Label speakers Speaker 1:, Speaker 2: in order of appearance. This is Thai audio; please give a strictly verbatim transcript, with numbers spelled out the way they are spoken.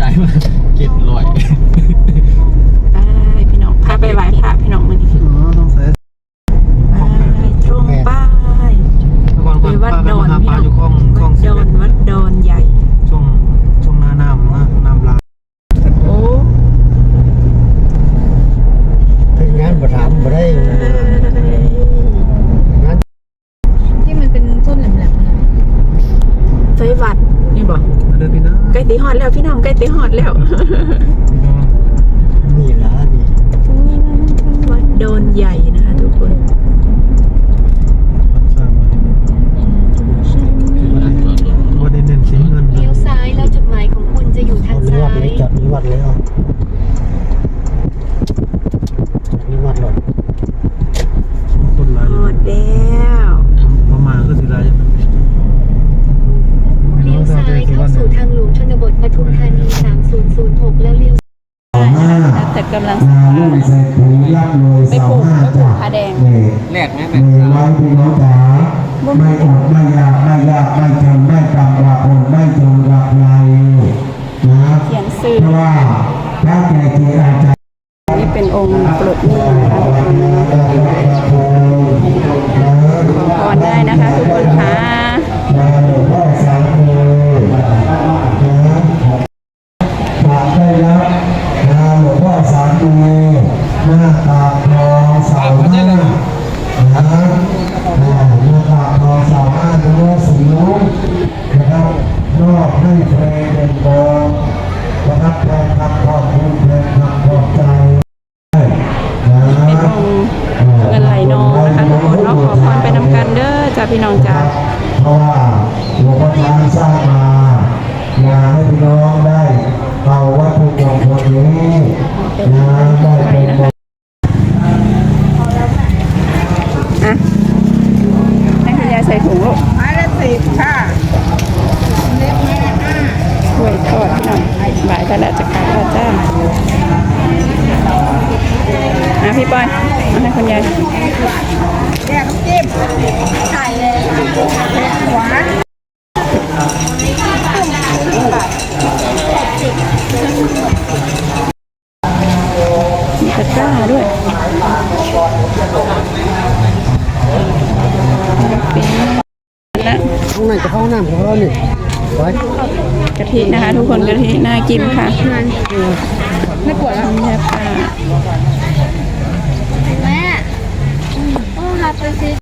Speaker 1: ได้มาเจ็ดร้อย
Speaker 2: ไปพี่น้องพาไปไหว้พระพี่น้องมื้อนี้
Speaker 1: อ๋อต้องใส่
Speaker 2: ไปตรงป้ายไปวัดดอนพี่น้อง
Speaker 1: คลองคลอง
Speaker 2: วัดดอนวัดดอนใหญ่
Speaker 1: ช่วงช่วงหน้าน้ำนะน้ำลา
Speaker 2: โอ้
Speaker 3: เป็นงานประถามบ่ได้งาน
Speaker 4: ที่มันเป็นต้นแหลมๆนะ
Speaker 2: ไฟวัดนี่บอก
Speaker 1: เดินพี่นะ
Speaker 2: ใกล้ตีฮอดแล้วพี่น้องใกล้ตีฮอดแล้ว
Speaker 3: นี่ล่ะนี่
Speaker 2: วัดดอนใหญ่นะคะทุกคน
Speaker 1: วันนี้เน้นสีเงิน
Speaker 4: เลี้ยวซ้ายแล้วจุดหมายของคุณจะอยู่ทาง
Speaker 3: มี
Speaker 4: ซ้า
Speaker 3: วัด
Speaker 4: ย
Speaker 3: เลยจัดมีวัดเลยอ่ะมีวัดหรอก
Speaker 1: คนหลาย
Speaker 2: ฮอดแล้ว
Speaker 1: ประมาณก็สิไร
Speaker 4: เลี้ยวซ้ายเข้าสู่ทางหลวงชนบทปทุมธานีสามศูนย์ศูนย์หกแล้วเลี้ยว
Speaker 2: แต่กำลัง
Speaker 5: นาลุ่งใส่ปุ๋ยรับโรย
Speaker 2: ไป
Speaker 5: เสา
Speaker 2: ปลูก
Speaker 5: ห้า
Speaker 2: ไปปลู
Speaker 5: จาก ก
Speaker 2: ผาแดง
Speaker 5: เด็ก
Speaker 1: แรกไหม
Speaker 5: เมย์ไว้พี่น้องจ๋าไม่อดไม่อยากไม่ยากไม่จนไม่กำว่าอดไม่จนกับไรนะ
Speaker 2: เขียนชื่อ
Speaker 5: เพราะว่าพระแก่เจอาจารย์
Speaker 2: นี่เป็นองค์ปลดหนี้นะคะขอพรได้นะคะทุกคนค่ะ
Speaker 5: นาหลวงพ่อสามโมนะฝากได้รับนาหลวงพ่อสามโมหน้าตาทองเสาหน้า นะอ่าเมื่อปากทองสามารถจะรู้สีรู้นะครับนอกให้เพลงเป็นกองนะครับแทนคำขอบคุณแทนคำขอบใจนะ
Speaker 2: เป็นองค์เงินไหลนองนะคะทุกคนเนาะขอพรไปนำกันเด้อจ้าพี่น้องจ้า
Speaker 5: เพราะว่าหลวงพ่อช้างสร้างมาอยากให้พี่น้องได้เอาวัตถุมงคลนี้นะได้เป็นมง
Speaker 2: อ่ะให้คุณยายใส่ถุงลูก
Speaker 4: ไม้ละสิบค่ะเล็กไม้ละห้า
Speaker 2: ถ้วยทอดพี่น้องบ่ายก็แล้วจะกลับแล้วจ้าอ่ะพี่ปอยมาให้คุณยาย
Speaker 4: แยกน้ำจิ้มไข่เลยหวาน
Speaker 2: มีตะกร้าด้วยเป็นแล้ว
Speaker 3: ข้างในจะเข้าห้องน้ำของเรานี่ไว้
Speaker 2: กะทินะคะ ทุกคนกะทิน่ากินค่ะ
Speaker 4: ไม่ปวดแล้ว
Speaker 2: เนี่ยค่ะ
Speaker 4: แม่ต้องหาไปซื้อ